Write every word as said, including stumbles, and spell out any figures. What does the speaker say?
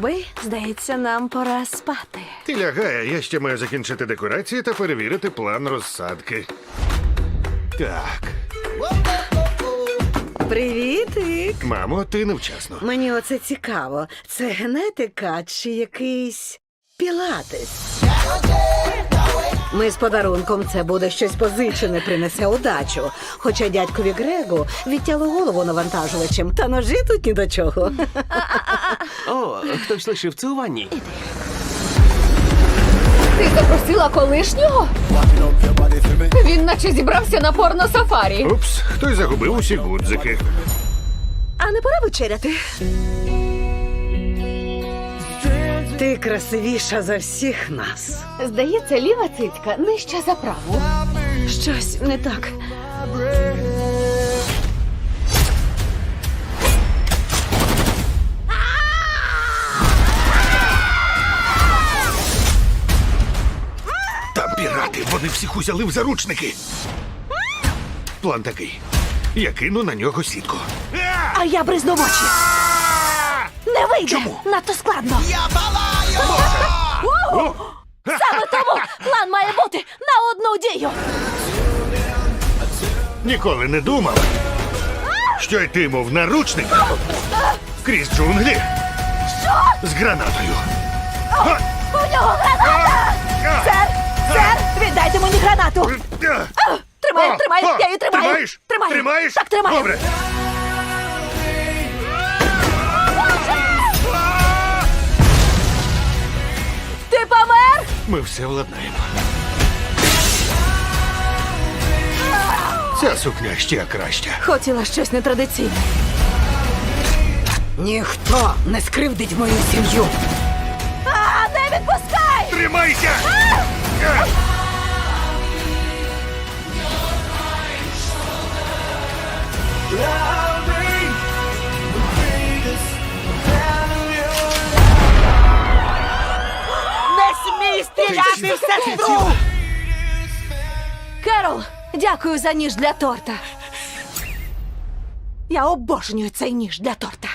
любий, здається, нам пора спати. Ти лягай, я ще маю закінчити декорації та перевірити план розсадки. Так. Привітик! Мамо, ти невчасно. Мені оце цікаво. Це генетика чи якийсь пілатес? Ми з подарунком це буде щось позичене, принесе удачу. Хоча дядькові Грегу відтяло голову навантажувачем, та ножі тут ні до чого. О, хтось лишив це у ванні. Ти запросила колишнього? Він наче зібрався на порно-сафарі. Упс, хтось загубив усі гудзики. А не пора вечеряти? Ти красивіша за всіх нас. Здається, ліва цицька нижча за праву. Щось не так. Там пірати, вони всіх узяли в заручники. План такий. Я кину на нього сітку. А я бризну в очі. Не вийде! Чому? Надто складно. О! Саме тому план має бути на одну дію. Ніколи не думав, що йтиму наручник крізь джунглі з гранатою. Га! У нього граната! Га! Сер! Сер! Віддайте мені гранату! Га! Тримай, О, тримай, о, я її тримаю! Тримаєш? Тримаю. Тримаєш? Так, тримаю. Добре. Ти помер? Ми все владнаємо. Ця сукня ще краща. Хотіла щось нетрадиційне. Ніхто не скривдить мою сім'ю. А, не відпускай! Тримайся! Га! Не смій стріляти в сестру! Керол, дякую за ніж для торта. Я обожнюю цей ніж для торта.